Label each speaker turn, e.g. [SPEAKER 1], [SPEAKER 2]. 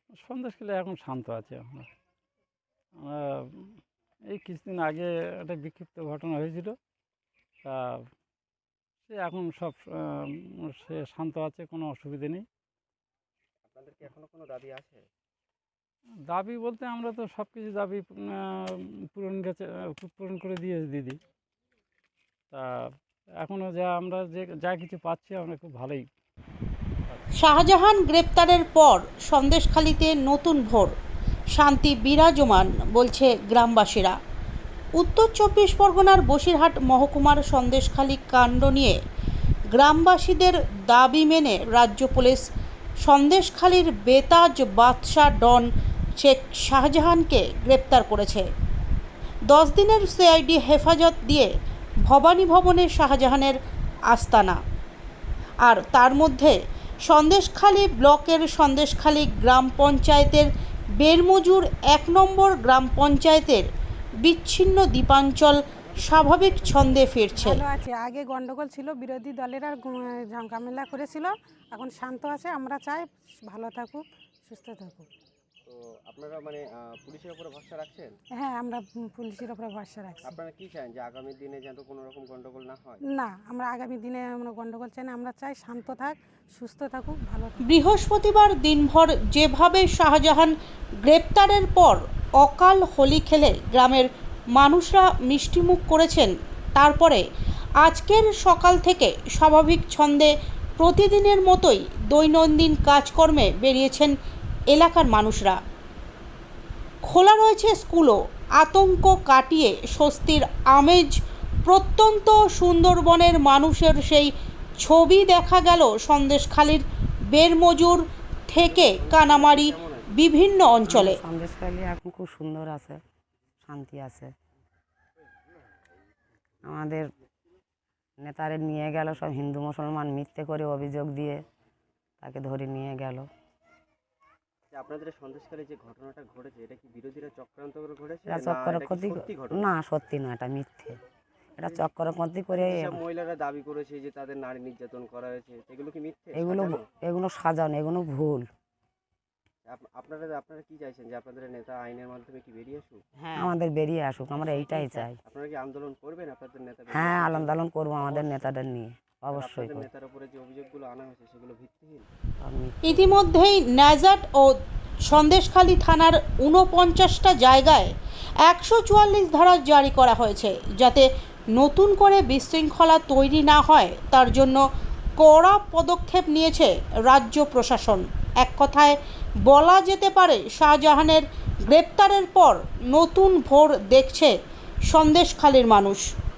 [SPEAKER 1] সন্দেশখালী এখন শান্ত আছে। আমরা আমরা এই কিছুদিন আগে একটা বিক্ষিপ্ত ঘটনা হয়েছিল, তা সে এখন সব সে শান্ত আছে, কোনো অসুবিধে নেই।
[SPEAKER 2] আপনাদের কি এখনো কোনো দাবি আছে?
[SPEAKER 1] দাবি বলতে আমরা তো সব কিছু দাবি পূরণ করে দিয়েছি দিদি। তা এখনও আমরা যা কিছু পাচ্ছি আমরা খুব ভালোই।
[SPEAKER 3] শাহজাহান গ্রেপ্তারের পর সন্দেশখালীতে নতুন ভোর, শান্তি বিরাজমান বলছে গ্রামবাসীরা। উত্তর 24 পরগনার বসিরহাট মহকুমার সন্দেশখালী কাণ্ড নিয়ে গ্রামবাসীদের দাবি মেনে রাজ্য পুলিশ সন্দেশখালীর বেতাজ বাদশা ডন শেখ শাহজাহানকে গ্রেপ্তার করেছে। 10 দিনের সিআইডি হেফাজত দিয়ে ভবানী ভবনে শাহজাহানের আস্তানা। আর তার মধ্যে সন্দেশখালী ব্লকের সন্দেশখালী গ্রাম পঞ্চায়েতের বেরমজুর 1 নম্বর গ্রাম পঞ্চায়েতের বিচ্ছিন্ন দ্বীপাঞ্চল স্বাভাবিক ছন্দে ফিরছে।
[SPEAKER 4] ভালো আছে, আগে গন্ডগোল ছিল, বিরোধী দলেরা ঝামেলা করেছিল, এখন শান্ত আছে। আমরা চাই ভালো থাকুক, সুস্থ থাকুক।
[SPEAKER 2] তো আপনারা মানে পুলিশের উপরে ভরসা রাখছেন?
[SPEAKER 4] হ্যাঁ, আমরা পুলিশের উপরে ভরসা রাখছি।
[SPEAKER 2] আপনারা কি চান যে আগামী দিনে যেন কোনো রকম গন্ডগোল না হয়?
[SPEAKER 4] না, আমরা আগামী দিনে আমরা গন্ডগোল চাই না। আমরা চাই শান্ত থাক, সুস্থ থাকুক, ভালো থাকুক।
[SPEAKER 3] বৃহস্পতিবার দিনভর যেভাবে শাহজাহান গ্রেপ্তারের পর অকাল হোলি খেলে গ্রামের মানুষরা মিষ্টিমুখ করেছেন, তারপরে আজকের সকাল থেকে স্বাভাবিক ছন্দে প্রতিদিনের মতোই দৈনন্দিন কাজকর্মে বেরিয়েছেন এলাকার মানুষরা। খোলা রয়েছে স্কুলও। আতঙ্ক কাটিয়ে স্বস্তির আমেজ প্রত্যন্ত সুন্দরবনের মানুষের সেই ছবি দেখা গেল সন্দেশখালীর বেরমজুর থেকে কানামারি বিভিন্ন অঞ্চলে।
[SPEAKER 5] সন্দেশখালী এখন খুব সুন্দর আছে, শান্তি আছে। আমাদের নেতারে নিয়ে গেল সব হিন্দু মুসলমান মিথ্যে করে অভিযোগ দিয়ে তাকে ধরে নিয়ে গেল।
[SPEAKER 2] আপনাদের সন্দেশখালী যে ঘটনাটা ঘটেছে, এটা কি বিরোধীরা চক্রান্ত করে ঘটেছে?
[SPEAKER 5] এটা চক্রান্তি না, সত্যি না, এটা মিথ্যে। এটা চক্রান্তি করে
[SPEAKER 2] মহিলারা দাবি করেছে যে তাদের নারী নির্যাতন করা হয়েছে, এগুলো কি মিথ্যে?
[SPEAKER 5] এগুলো সাজানো, এগুলো ভুল।
[SPEAKER 2] আপনারা কি চাইছেন যে আপনাদের নেতা আইনের মাধ্যমে কি বেরিয়ে আসুক?
[SPEAKER 5] হ্যাঁ, আমাদের বেরিয়ে আসুক, আমরা এইটাই চাই।
[SPEAKER 2] আপনারা কি আন্দোলন করবেন আপনাদের নেতা?
[SPEAKER 5] হ্যাঁ, আন্দোলন করবো আমাদের নেতাদের নিয়ে, অবশ্যই।
[SPEAKER 2] নেতার উপরে যে অভিযোগগুলো আনা হয়েছে সেগুলো ভিত্তিহীন।
[SPEAKER 3] ইতিমধ্যেই ন্যাজাট ও সন্দেশখালী থানার 49টা জায়গায় 144 ধারা জারি করা হয়েছে, যাতে নতুন করে বিশৃঙ্খলা তৈরি না হয় তার জন্য কড়া পদক্ষেপ নিয়েছে রাজ্য প্রশাসন। এক কথায় বলা যেতে পারে শাহজাহানের গ্রেপ্তারের পর নতুন ভোর দেখছে সন্দেশখালীর মানুষ।